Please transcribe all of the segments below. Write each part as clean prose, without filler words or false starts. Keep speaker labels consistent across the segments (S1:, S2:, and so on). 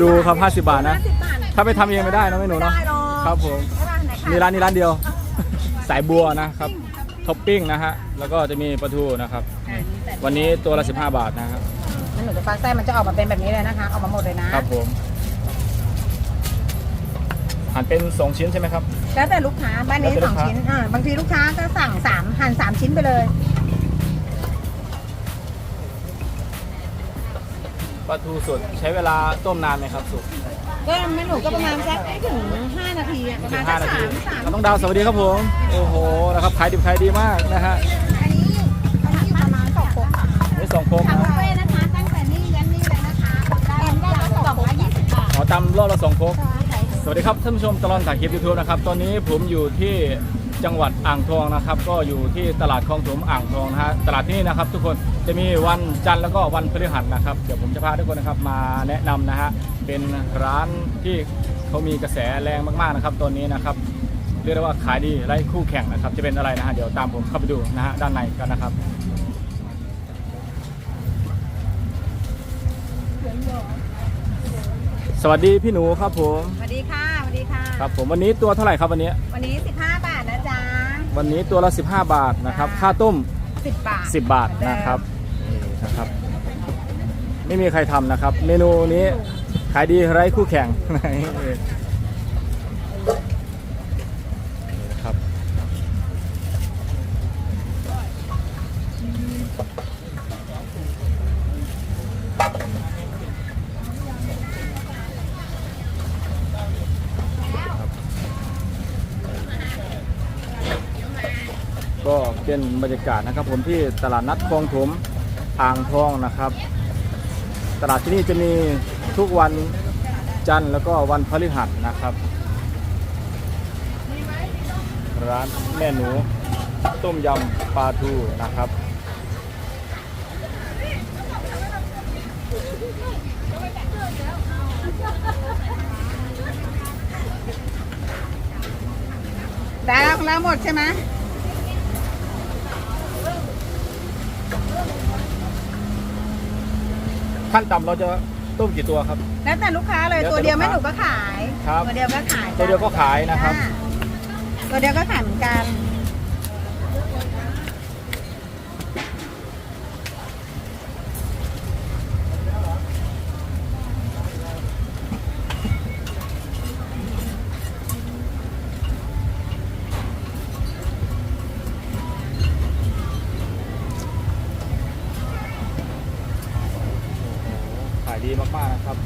S1: ดูครับ50 บาทนะ
S2: 50 บาท
S1: ถ้าไปทำเองไม่ได้นะแม่หนูเนาะ
S2: ไม่ได้หรอก
S1: ครับผม
S2: ไม่ได้ไหนคะ
S1: มีร้านนี้ร้านเดียว สายบัวนะครับท็อปปิ้งนะฮะแล้วก็จะมีปลาทูนะครับวันนี้ตัวละ15 บาทนะครับ
S2: แล้วหนูจะฟักไส้มันจะออกมาเป็นแบบนี้เลยนะคะออกมาหมดเลยนะครับ
S1: ผมหั่นเป็น2ชิ้นใช่ไหมครับ
S2: แล้วแต่ลูกค้าบ้านนี้
S1: แล้วแต่ลูก
S2: 2
S1: ค้า
S2: ชิ้นบางทีลูกค้าก็สั่ง3หั่น3 ชิ้นไปเลย
S1: ปลาทูสดใช้เวลาต้มนานไหมครับสุก
S2: ก็ไม่หนูก็ประมาณสักไม่ถึง5 นาทีอะประมาณสัก
S1: 5 นาที
S2: 3
S1: น้องดาวสวัสดีครับผมโอ้โหนะครับขายดิบขายดีมากนะฮะ
S2: อันนี้อยู่ประมาณ2 โคกค่ะ
S1: นี่2 โคก
S2: ทำ
S1: นะ
S2: บุฟเฟ่ต์นะคะตั้งแต่นี่ยันนี่เลยนะคะได้ละ220 บาท
S1: ขอตำรอบละ2 โคกสวัสดีครับท่านผู้ชมตลอดถ่ายคลิป YouTube นะครับตอนนี้ผมอยู่ที่จังหวัดอ่างทองนะครับก็อยู่ที่ตลาดคลองถมอ่างทองนะฮะตลาดที่นี่นะครับทุกคนจะมีวันจันทร์แล้วก็วันพฤหัสนะครับเดี๋ยวผมจะพาทุกคนนะครับมาแนะนำนะฮะเป็นร้านที่เขามีกระแสแรงมากๆนะครับตอนนี้นะครับเรียกได้ว่าขายดีไร้คู่แข่งนะครับจะเป็นอะไรนะฮะเดี๋ยวตามผมเข้าไปดูนะฮะด้านในกันนะครับสวัสดีพี่หนูครับผม
S2: สวัสดีค่ะสวัสดีค่ะ
S1: ครับผมวันนี้ตัวเท่าไหร่ครับวันนี้
S2: วันนี้15 บาทนะจ๊ะ
S1: วันนี้ตัวละ15 บาทนะครับค่าต้ม
S2: 10 บาท
S1: 10 บาทนะครับนี่นะครับ ไม่มีใครทำนะครับ เมนูนี้ขายดีไร้คู่แข่ง นี่นะครับก็เป็นบรรยากาศนะครับผมที่ตลาดนัดคลองถมอ่างทองนะครับ ตลาดที่นี่จะมีทุกวันจันทร์แล้วก็วันพฤหัสนะครับร้านแม่หนูต้มยำปลาทูนะครับ
S2: ได้แล้วหมดใช่ไหม
S1: ขั้นต่ำเราจะต้มกี่ตัวครับ
S2: แล้วแต่ลูกค้าเลย
S1: แล้วแต่
S2: ตัวเดียว
S1: ลู
S2: แม่
S1: ก
S2: ห
S1: ค้า
S2: นูก็ขาย
S1: ครับ
S2: ตัวเดียวก็ขาย
S1: ตัวเดียวก็ขายนะครับ
S2: จ้าตัวเดียวก็ขายเหมือนกัน
S1: ขายดีมากๆนะครับ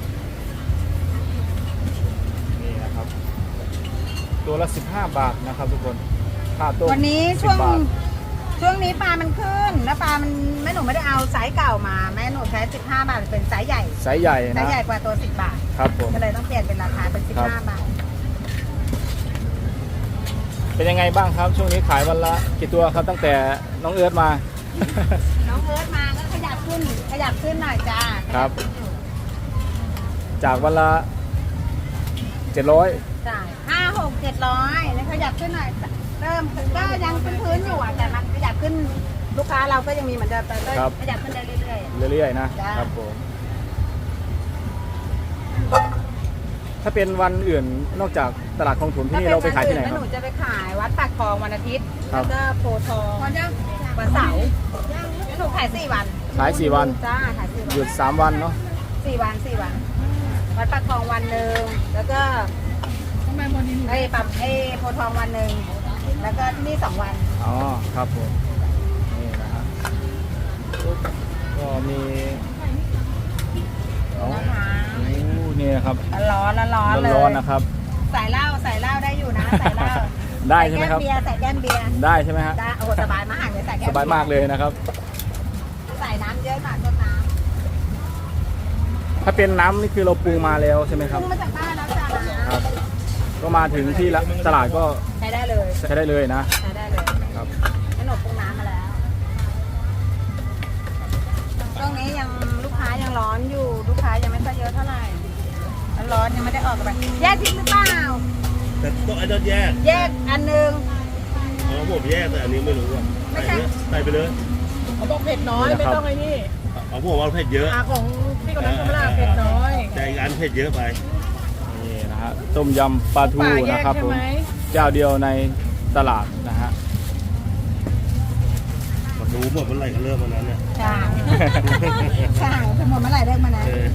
S1: นี่นะครับ ตัวละ15 บาทนะครับทุกคนค่าต้ม
S2: วันนี้
S1: 10
S2: ช่วง
S1: บาท
S2: นี้ปลามันขึ้นแล้วปลามันแม่หนูไม่ได้เอาไซส์เก่ามาแม่หนูใช้15 บาทเป็นไซส์ใหญ่
S1: ไซส์ใหญ่
S2: ไซ
S1: นะ
S2: ส์ใหญ่กว่าตัว10 บาท
S1: ครับผม
S2: ก็เลยต้องเปลี่ยนเป็นราคาเป็น
S1: ครับ
S2: 15 บาท
S1: เป็นยังไงบ้างครับช่วงนี้ขายวันละกี่ตัวครับตั้งแต่น้องเอิร์ธมา
S2: น้องเอิร์ธมาก็ขยับขึ้นหน่อยจ้า
S1: ครับ จากวันละ700
S2: จ่าย500-600-700แล้วขยับขึ้นหน่อยเริ่มก็ยังพื้นๆอยู่อ่ะแต่มันขยับขึ้นลูกค้าเราก็ยังมีเหมือนเดิมแต่ก็ขยับขึ้นได้เรื่อยๆ
S1: เรื่อยๆนะ
S2: จ้า
S1: ครับผมถ้าเป็นวันอื่นนอกจากตลาดคลองถมที่นี่เราไปขายที่ไหนค
S2: ถ้
S1: รับ
S2: หนูจะไปขายวัดปากคลองวันอาทิตย์
S1: ครั
S2: แล้
S1: บ
S2: วก็โพธิ์ทองวันเสาร์หนูขาย4 วัน
S1: ขาย4 วัน
S2: จ้าขาย4 วัน
S1: หยุด3 วันเนาะ
S2: 4 วันวัดปากคลองวันหนึ่งแล้วก็ไอ้ปั๊มไอ้โพธิ์ทองวันหนึ่งแล้วก็ที่นี่2 วัน
S1: อ๋อครับผมนี่นะฮะก็มีอ๋อ
S2: นะคะ
S1: โอ้นี่นะครับ
S2: ร้อนเลย
S1: ร้อนๆนะครับ
S2: ใส่เหล้าได้อยู่นะใส่เหล้า
S1: ได้ใช่ไหมครับ
S2: ใส่แก้มเบียร์
S1: ได้ใช่ไหมฮะ
S2: ได้โอ้โหสบายมากเลยใส่แก้ม
S1: สบายมากเลยนะครับ
S2: ใส่น้ำเยอะหน่อยต้นน้
S1: ถ้าเป็นน้ำนี่คือเราปรุงมาแล้วใช่ไหม
S2: ำ
S1: ครับ
S2: พุ่งมาจากบ้านแล้วจ้า
S1: ครับ ก็มาถึงที่ตลาดก็
S2: ใช้ได้เลย
S1: ใช้ได้เลยนะ
S2: ใช้ได้เลย
S1: ครับ
S2: ขนมปรุงน้ำมาแล้วช่วงนี้ยังลูกค้ายังร้อนอยู่ลูกค้ายังไม่ค่อยเยอะเท่าไหร่ร้อนยังไม่ได้ออกไปแยกทิ้งหรือเปล่า
S3: แต่ต้องไอ้ต้นแยก
S2: แยกอันหนึง
S3: อ๋อผมแยกแต่อันนี้ไม่รู้อ่ะ
S2: ไม่ใช่
S3: ใส่ไปเลย
S4: เขาบอกเผ็ดน้อยไม่ต้องไอ้นี่
S3: เอาผมเอาเผ็ดเยอะ
S4: ของพี่คนนั้นธรรมดาเผ็ดน้อย
S3: แต่อีกอันเผ็ดเยอะไป
S1: นี่นะฮะต้มยำปลาทูนะครับผมเจ้าเดียวในตลาดนะฮะ
S3: มาดูหมดเมื่อไหร่ก็เริ่มวันนั้นเนี่ย
S2: ช่างช่างเป็นหมดเมื่อไหร่เลิกมานะ
S3: เออ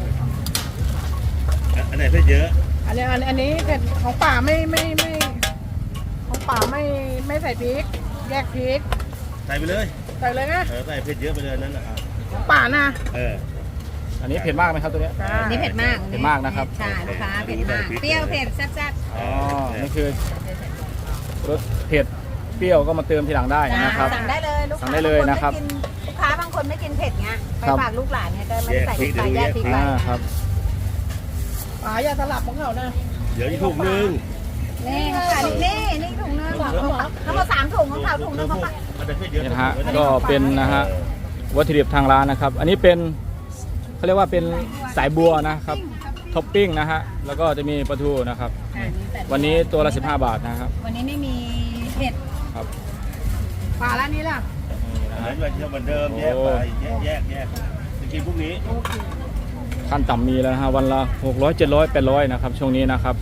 S3: อันไหนเผ็ดเยอะ
S4: อันนี้เผ็ดของป่าไม่ของป่าไม่ใส่พริก แยกพริก
S3: ใส่ไปเลย
S4: ใส่เลยนะ
S3: ใส่เผ็ดเยอะไปเลยนั่นนะครับ
S4: ของป่านะ
S3: เออ
S1: อันนี้เผ็ดมากไหมครับตัวเนี้ย
S2: อันนี่เผ็ดมาก
S1: เผ็ดมากนะครับ
S2: ใช่ลูกค้าเผ็ดมากเปรี้ยวเผ็ดแซ่บ
S1: อ๋อนี่คือรสเผ็ดเปรี้ยวก็มาเติมทีหลังได้
S2: ๆ
S1: นะครับ
S2: สั่งได้เลยลูก
S1: สั่
S2: ค้าง
S1: ได้เลยนะครับ
S2: ลูกค้าบางคนไม่กินเผ็ดเงี้ยไป
S1: ครับ
S2: ฝากลูกหลานเนี่ยก็ไม่ได้ใส่พริกไปแยกพริกไป
S1: ครับ
S4: ป่าอย่าสลับของเขานะ
S3: เดี๋ยวอีกถุงนึง
S2: นี่ค่ะนี่ถุงนึงเขามา3 ถุงของเขาถุงนึงเขามา
S3: อันไหนเผ็ดเยอะ
S1: นี่นะฮะก็เป็นนะฮะวัตถุดิบทางร้านนะครับ อันนี้เป็นเขาเรียกว่าเป็นสายบัวนะครับท็อปปิ้งนะฮะแล้วก็จะมีปลาทูนะครับ วันนี้ตัวละ15 บาทนะครับ
S2: วันนี้ไม่มีเผ็ด
S1: ครับ
S4: ป่าร้านนี้ล่ะ
S1: นี่นะ
S3: อัน
S1: ฮะ
S3: นั้นเหมือนเดิมแยกไปแยกจะกินพรุ่งนี้
S1: ขั้นต่ำมีแล้วนะฮะวันละ600 700 800นะครับช่วงนี้นะครับ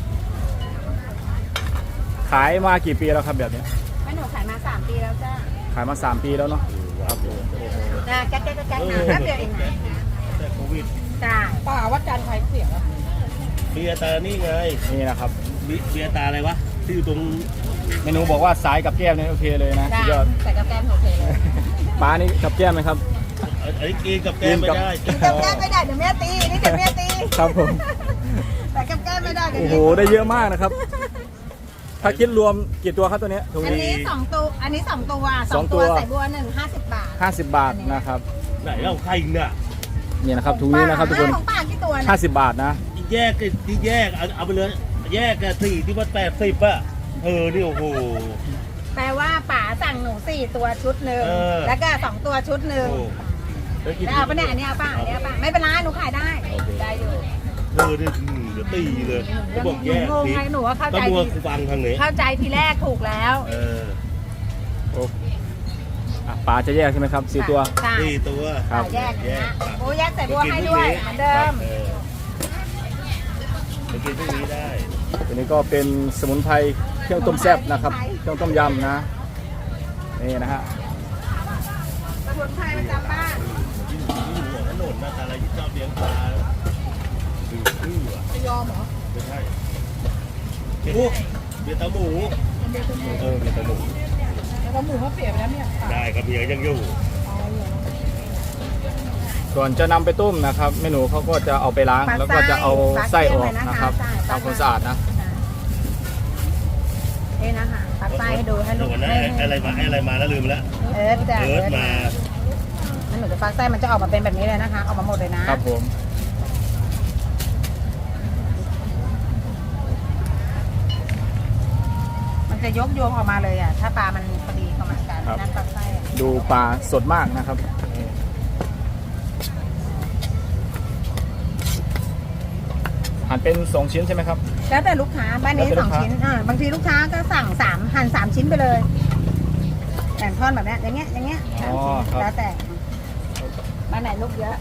S1: ขายมากี่ปีแล้วครับแบบนี้
S2: แม่หนูขายมา3 ปีแล้วจ้า
S1: ขายมา3 ปีแล้วเนาะ
S3: ครับผม
S2: จ้าแก๊กนะแป๊บเดียวเองนะ
S3: แต่โควิด
S2: จ้า
S4: ป่าวัดจันทร์ใครเสียงอะ
S3: เบียร์ตานี่ไง
S1: นี่นะครับ
S3: เบียร์ตาอะไรวะที่อยู่ตรง
S1: เมนูบอกว่าสายกับแก้มนี่โอเคเลยนะสุดยอด
S2: ใส่กับแกมโอเคเลย
S1: ปลานี่กับแก้มไหมครับ
S3: อันนี้กินกับแก้มไม่ได้
S2: กินกับแก้มไม่ได้เดี๋ยวแม่ตีนี่เดี๋ยวแม่ตี
S1: ครับผม
S2: แต่กับแก้มไม่ได้เดี๋ยว
S1: โอ้โหได้เยอะมากนะครับ ถ้าคิดรวมกี่ตัวครับตัวเนี้ยถุง
S2: อัน
S1: นี้
S2: นี้2 ตัวอันนี้2 ตัว
S1: สอง
S2: 2
S1: ตั
S2: ตัว วใส่บัว1 50 บาท
S1: 50 บาทนะครับ
S3: ไหนเราใครเนี่ย
S1: นี่นะครับถุงนี้นะครับทุกคน
S2: ของป้ากี่ตัวนะ
S1: 50 บาทนะ
S3: แยกที่แยกเอาไปเลย แยกกันสี่ที่ว่า80อ่ะนี่โอ้โห
S2: แปลว่าป๋าสั่งหนู4 ตัวชุดหนึ่ง
S3: เออ
S2: แล้วก็2 ตัวชุดหนึ่ง แล้วเอาปะเนี่ยอันนี้เอาป่ะอันนี้เอาป่ะไม่เป็นไรหนูขายได้ได้อยู่
S3: นี่เดี๋ยวตีเลยเขาบอกแยก
S2: งงไงหนูว่าเข้า
S3: ต้
S2: ใจ
S3: องมัว
S2: ที
S3: ฟังทางนี้
S2: เข้าใจทีแรกถูกแล้ว
S1: โอ้อ่ะปลาจะแยกใช่ไหมครับ4 ตัว
S2: จ้ะ
S3: สี่ตัว
S1: ครับ
S2: แยกนะโอ้แยกใส่บัวให้ด้วยเหมือนเดิม
S3: จะกินพรุ่งนี้ได้
S1: ตัวนี้ก็เป็นสมุนไพรเครื่องต้มแซ่บนะครับ เครื่องต้มยำนะ นี่นะฮะ
S2: สมุนไพรประจำบ้าน
S3: ยิ่งหัวถนนนะแต่อะไรที่ชอบเลี้ยงปลาดื้ออ่ะ
S4: ไม่ยอมเหรอ
S3: ไม่ใช่เบียร์ตาหมูเบียร์ตาหมู
S4: แล้วก็หมูเขาเสียไปแล้วเนี่ยป่า
S3: ได้กับเมียยังอยู่
S4: เอาเหรอ
S1: ก่อนจะนำไปต้มนะครับเมนูเขาก็จะเอาไปล้าง แล้วก็จะเอาไส้ออกนะครับทำความสะอาดนะ
S2: นี่นะคะปักไส้ให้ดูให้ลูก
S3: วันนั้นอะไรมาแล้วลืมแล้ว
S2: จ้ะ
S3: เอิร์ธมา
S2: มันหนูจะฟักไส้มันจะออกมาเป็นแบบนี้เลยนะคะออกมาหมดเลยนะครับ
S1: ผม
S2: มันจะยกโยงออกมาเลยอ่ะถ้าปลามันพอดีประมาณกันนั่นฟักไส้อะ
S1: ดูปลาสดมากนะครับหั่นเป็น2 ชิ้นใช่ไหมครับ
S2: แล้วแต่ลูกค้าบ้านนี้
S1: แล้วแต่ลูก
S2: 2
S1: ค้า
S2: ชิ้นบางทีลูกค้าก็สั่งหั่น3 ชิ้นไปเลยแบ่งท่อนแบบนี้อย่างเงี้ยสามชิ้น
S1: ครับ
S2: แล้วแต่บ้านไหนลูกเยอะ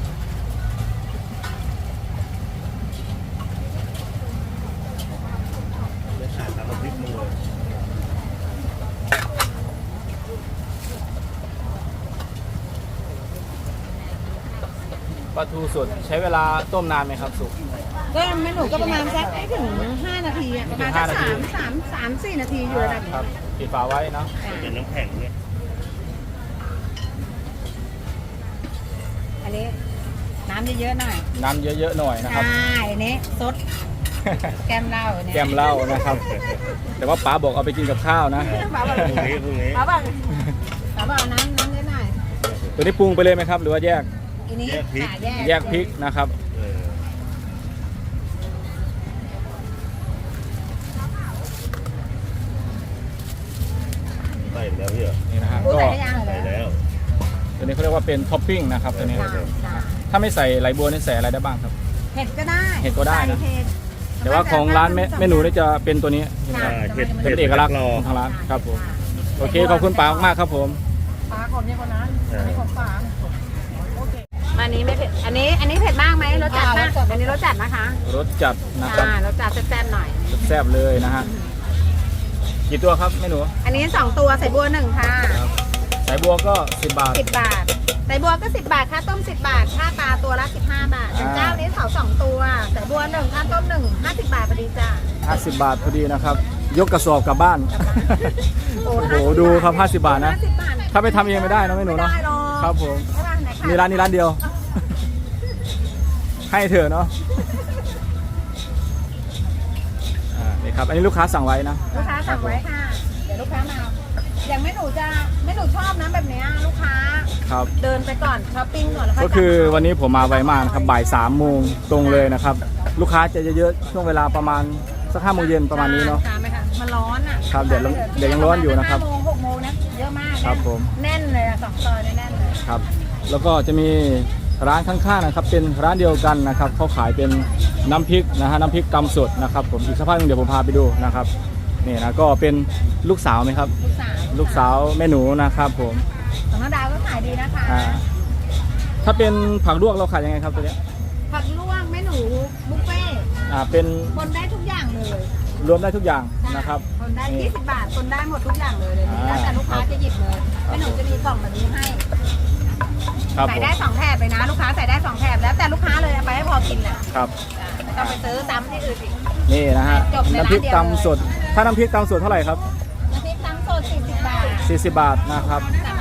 S3: ไม่ขาดทำน้ำพริกมือ
S1: ปลาทูสดใช้เวลาต้มนานไหมครับสุก
S2: ก็แม่หนูก็ประมาณสักไม่ถึง5 นาทีอะประมาณสัก
S1: ไม่ถึง5
S2: 3-4 นาทีอยู่ระดับ
S1: ครั
S2: นี้
S1: บปิดฝาไว้เนาะ
S3: เป็นน้ำแข็งเนี่ย
S2: อันนี้น้ำเยอะๆหน่อย
S1: น้ำเยอะๆหน่อยนะครับ
S2: ใช่อันนี้ซดแก้มเหล้าเนี่ย
S1: แกมเหล้านะครับ แต่ว่าป๋าบอกเอาไปกินกับข้าวนะ
S2: ป้าบอก
S3: พรุ่งนี้
S2: ป้าบอกเอาน้ำเยอะหน่อย
S1: ตัวนี้ปรุงไปเลยไหมครับ หรือว่าแยก
S2: อันนี้ค่ะ
S1: แยกพริกนะครับ
S3: ใส่แล้วพี่เหรอ
S1: นี่นะฮะ
S2: รู้
S1: ก็
S2: ใส่ได้ยังเหร
S3: ใส่
S2: อ
S3: แล้ว
S1: ตัวนี้เขาเรียกว่าเป็นท็อปปิ้งนะครับตัวนี้
S2: จ้า
S1: ถ้าไม่ใส่ไหลบัวนี่ใส่อะไรได้บ้างครับ
S2: เห็ดก็ได้
S1: เห็ดก็ได้นะ
S2: ใส่เห็ด
S1: แต่ว่าของร้านเมนูนี่จะเป็นตัวนี้
S2: ค่ะ
S1: เป็นเอกลักษณ์ของทางร้านครับผมโอเคขอบคุณป๋ามากๆครับผม
S4: ป่าคนนี้คนนั้นอันนี้ของป่าโอเค
S2: มาอันนี้ไม่เผ็ดอันนี้เผ็ดมากไหมรสจัดมากอันนี้รสจัดนะคะ
S1: รสจัดนะครับ
S2: รสจัดแซ่บๆหน่อย
S1: แซ่บเลยนะฮะกี่ตัวครับแม่หนู
S2: อันนี้2ตัวใส่บัว1ค่ะ
S1: ครับสายบัวก็10 บาท
S2: 10 บาทใส่บัวก็10 บาทค่าต้ม10 บาทค่าปลาตัวละ15 บาทอย่างเจ้านี้เขา2ตัวใส่บัว1ค่าต้ม1 50 บาทพอดีจ้า
S1: 50 บาทพอดีนะครับยกกระสอบกลับบ้าน
S2: โอ้
S1: โอ้โหดูครับ50 บาทนะ
S2: 50 บาท
S1: ถ้าไปทำเองไม่ได้นะแม่หนู
S2: ไม่
S1: เนาะ
S2: ได้หรอก
S1: ครับผม
S2: ใช่ป่ะไหนคะ
S1: มีร้านนี้ร้านเดียว ให้เถอะเนาะนี่ครับอันนี้ลูกค้าสั่งไว้นะ
S2: ลูกค้าสั่งไว้ค่ะเดี๋ยวลูกค้ามาอย่างแม่หนูชอบนะแบบเนี้ยลูกค้า
S1: ครับ
S2: เดินไปก่อนช้อปปิ้งก่อนแล้ว
S1: ก็คือวันนี้ผมมาไวมากนะครับบ่าย3 โมงตรงเลยนะครับลูกค้าจะเยอะๆช่วงเวลาประมาณสัก5 โมงเย็นประมาณนี้เนาะ
S2: ค่ะไหมคะมันร้อนอ่ะ
S1: ครับเดี๋ยวยังร้อนอยู่นะครับ
S2: 5 โมง 6 โมงนะเยอะมาก
S1: ครับผม
S2: แน่นเลยอะ2 ซอยเนี่ยแน่นเลย
S1: ครับแล้วก็จะมีร้านข้างๆนะครับเป็นร้านเดียวกันนะครับเขาขายเป็นน้ำพริกนะฮะน้ำพริกตำสดนะครับผมอีกสักพักนึงเดี๋ยวผมพาไปดูนะครับนี่นะก็เป็นลูกสาวไหมครับ ลูกสาวแม่หนูนะครับผม
S2: ของน้องดาวก็ขายดีนะคะ
S1: ถ้าเป็นผักลวกเราขายยังไงครับตัวเนี้ย
S2: ผักลวกแม่หนูบุฟเฟ่ต์
S1: เป็น
S2: คนได้ทุกอย่างเลย
S1: รวมได้ทุกอย่างนะครับ
S2: คนได้20 บาทคนได้หมดทุกอย่างเลยแล้วแต่ลูกค้าจะหยิบเลยแม่หนูจะมีกล่องแบบนี้ให้
S1: ครับ
S2: ใส่
S1: ผม
S2: ได้2 แถบเลยนะ ลูกค้าใส่ได้2 แถบแล้วแต่ลูกค้าเลยเอาไปให้พอกินแหละ
S1: ครับ
S2: ไม่ต้องไปซื้อซ้ำที่อื่นอีก
S1: นี่นะฮะ
S2: จบในร้าน
S1: น้ำพริก
S2: เดียว
S1: ตำสดถ้าน้ำพริกตำสดเท่าไหร่ครับ
S2: น้ำพริกตำสด40 บาท
S1: 40 บาทนะครับ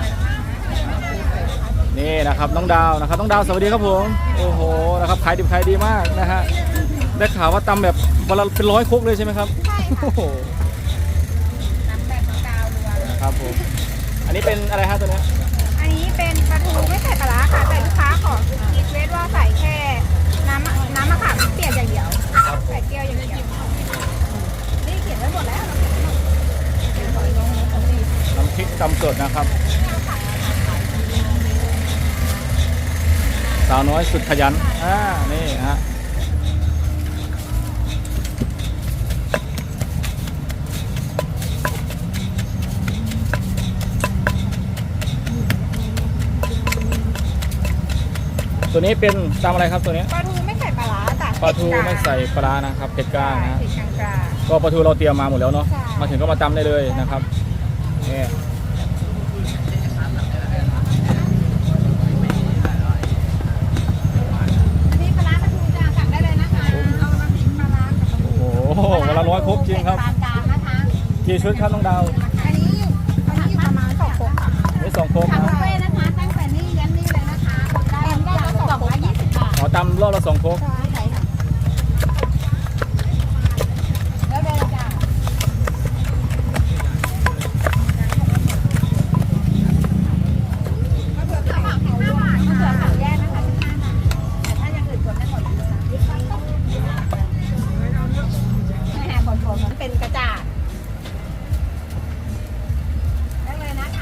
S1: นี่นะครับน้องดาวนะครับน้องดาวสวัสดีครับผมโอ้โหนะครับขายดิบขายดีมากนะฮะได้ข่าวว่าตำแบบวันละเป็น100 ครกเลยใช่ไหมครับ
S2: ใช่ค่ะ
S1: โอ้โห
S2: น้ำแบบกาวรัวเลย
S1: ครับผมอันนี้เป็นอะไรฮะตัวเนี้ย
S2: อันนี้เป็นปลาทูไม่ใส่ปลาร้าค่ะแต่ลูกค้าขอรีเควสว่าใส่แค่น้ำมะขามเปียกอย่างเดียวใส่เกลียวอย่างเดียวนี่เขียนไว้หมดแล้ว
S1: น้ำพริกตำสดนะครับสาวน้อยสุดขยันนี่ฮะตัวนี้เป็นตำอะไรครับตัวนี้
S2: ปลาทูไม่ใส่ปลาร้าจ้ะ
S1: ปลาทูไม่ใส่ปลานะครับเผ็ดกลางนะ
S2: เผ็ดกลาง
S1: ก็ปลาทูเราเตรียมมาหมดแล้วเนาะ
S2: ใช่
S1: มาถึงก็มาตำได้เลยนะครับนี่
S2: นี่ปลาร้าปลาทูจ้ะสั่งได้เลยนะคะเอาน้ำพริกปลาร้ากับปลาทู
S1: โอ้โหวันละ100 ครกจริงครับ
S2: ปานกลางนะคะ
S1: กี่ชุดครับน้องดาว
S2: อันนี้อยู่ประมาณ2 โคกค่ะ
S1: นี่2 ครก
S2: ทำบุ
S1: นะ
S2: ฟเฟ่ต์นะคะตั้งแต่นี่ยันนี่เลยนะคะได้ละ2 โคก20 บาท
S1: อ๋อตำรอบละ2 ครก
S2: ใช่ค่ะแล้วเดี๋ยวจ้ะมะเขือเผา15 บาทมะเขือเผาแยกนะคะ15 บาทแต่ถ้าอย่างอื่นกดได้หมดเลยนะคะไม่แหกผลมันเป็นกระจาดได้เลยนะคะ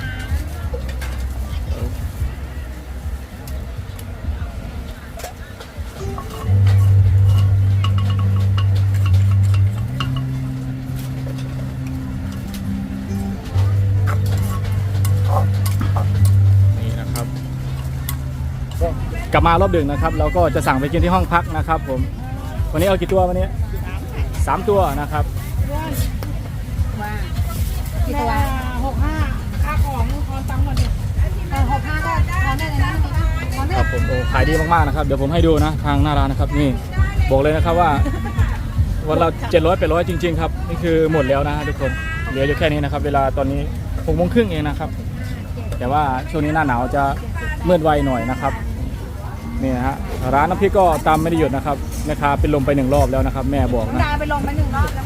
S1: นี่นะครับก็กลับมารอบดึกนะครับเราก็จะสั่งไปกินที่ห้องพักนะครับผมวันนี้เอากี่ตัววันนี้3 ตัวนะครับ
S2: ว่ากี่ตัว
S4: 65ค่าของทอนตังค์หมดดิ
S2: 65ก็ทอนได้เลยนะทอนได้
S1: ครับผมโอ้ขายดีมากๆนะครับเดี๋ยวผมให้ดูนะทางหน้าร้านนะครับนี่บอกเลยนะครับว่าวันละ700-800จริงๆครับนี่คือหมดแล้วนะฮะทุกคนเหลืออยู่แค่นี้นะครับเวลาตอนนี้6 โมงครึ่งเองนะครับแต่ว่าช่วงนี้หน้าหนาวจะมืดไวหน่อยนะครับนี่นะฮะร้านน้ำพริกก็ตามไม่ได้หยุดนะครับแม่ค้าเป็นลมไป1 รอบแล้วนะครับแม่บอก
S2: น้อง
S1: นะ
S2: ดาไปลงมา1 รอบแล้ว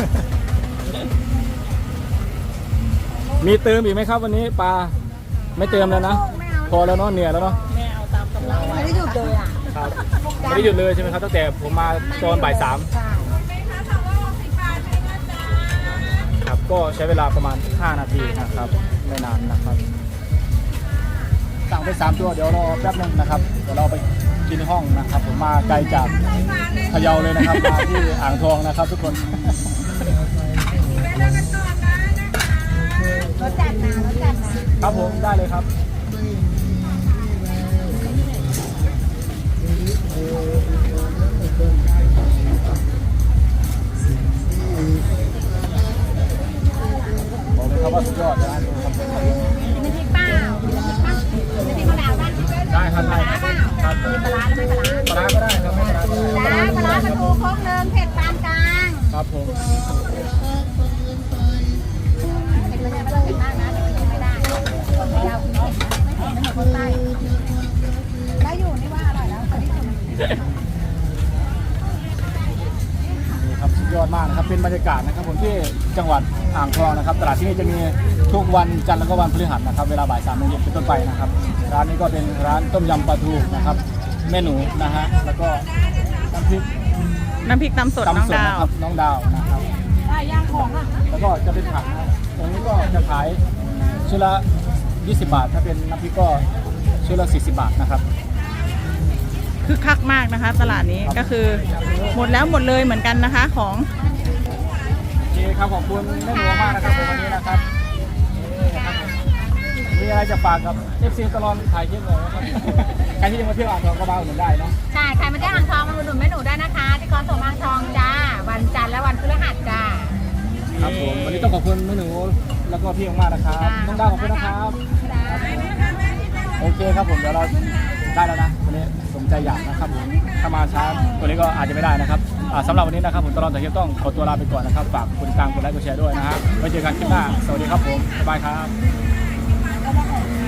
S1: มีเติมอีกไหมครับวันนี้ปลาไม่เติมแล้วนะพอแล้วเนาะเหนื่อยแล้วเนาะ
S4: แม่เอาตามกำลัง
S2: ไม่ได้หยุดเลยอ่ะ
S1: ครับไม่ได้หยุดเลยใช่ไหมครับตั้งแต่ผมมาตอนบ่าย3
S2: ใช่
S1: ครับก็ใช้เวลาประมาณ5 นาทีนะครับไม่นานนะครับสั่งไป3 ตัวเดี๋ยวรอแป๊บนึงนะครับเดี๋ยวเราไปกินห้องนะครับผมมาไกลจากพะเยาเลยนะครับมาที่อ่างทองนะครับทุกคน
S2: รถจัดนะครับ
S1: ผมได้เลยครับบอกเลยครับว่าสุดยอดนะ
S2: มีพริกเปล่ามีพริกมะนาวป่ะ
S1: ได้ครับได้ครับครับ
S2: มีปลาร้าหรือไม่ปลาร้า
S1: ปลาร้าก็ได้ครับไม่ปลาร้าก็ได้
S2: จ้าปลาร้าปลาทูโค้งเลิงเผ็ดปานกลาง
S1: ครับผม
S2: เผ็ดไม่ได้ไม่ต้องเผ็ดมากนะเดี๋ยวกินไม่ได้คนไม่ยาวกินเผ็ดไม่เผ็ดไม่เหมือนคนใต้ได้อยู่นี่ว่าอร่อยแล้วคนที่ทำ
S1: นี่ครับสุดยอดมากนะครับเป็นบรรยากาศนะครับผมที่จังหวัดอ่างทองนะครับตลาดที่นี่จะมีทุกวันจันทร์แล้วก็วันพฤหัสนะครับเวลาบ่าย 3 โมงเย็นเป็นต้นไปนะครับร้านนี้ก็เป็นร้านต้มยำปลาทูนะครับแม่หนูนะฮะแล้วก็น้ำพริก
S5: น้ำพริกตำสดน้อง
S1: ตำสด
S5: ดา
S1: นะ
S5: ว
S1: ครับน้องดาวนะครับ
S4: ได้ย่างของอ่ะ
S1: แล้วก็จะเป็นผักนะครับตรงนี้ก็จะขายชุดละ20 บาท ถ้าเป็นน้ำพริกก็ชุดละ40 บาทนะครับ
S5: คือคักมากนะคะ ตลาดนี้ก็คือหมดแล้วหมดเลยเหมือนกันนะคะของ
S1: โอเคครับขอบคุณแม่หนูมากนะครับในวันนี้นะครับนี่นะครับมีอะไรจะฝากกับ FC ตลอดถ่ายคลิปเลยนะครับใครที่จะมาเที่ยวอ่างทองก็มาอุดหนุนได้เนาะ
S2: ใช่ใครมาที่อ่างทองมาอุดหนุนแม่หนูได้นะคะ ที่คอนโซลอ่างทองจ้า วันจันทร์และวันพฤหัสจ้า
S1: ครับผมวันนี้ต้องขอบคุณแม่หนูแล้วก็พี่มากๆนะครับน้องดาวขอบคุณนะครับโอเคครับผมเดี๋ยวเราได้แล้วนะวันนี้สมใจอยากนะครับผมถ้ามาช้าตัวนี้ก็อาจจะไม่ได้นะครับสำหรับวันนี้นะครับผมตลอดแต่เที่ยวต้องขอตัวลาไปก่อนนะครับฝากกดติดตามกดไลค์กดแชร์ด้วยนะฮะไว้เจอกันคลิปหน้าสวัสดีครับผมบ๊ายบายครับ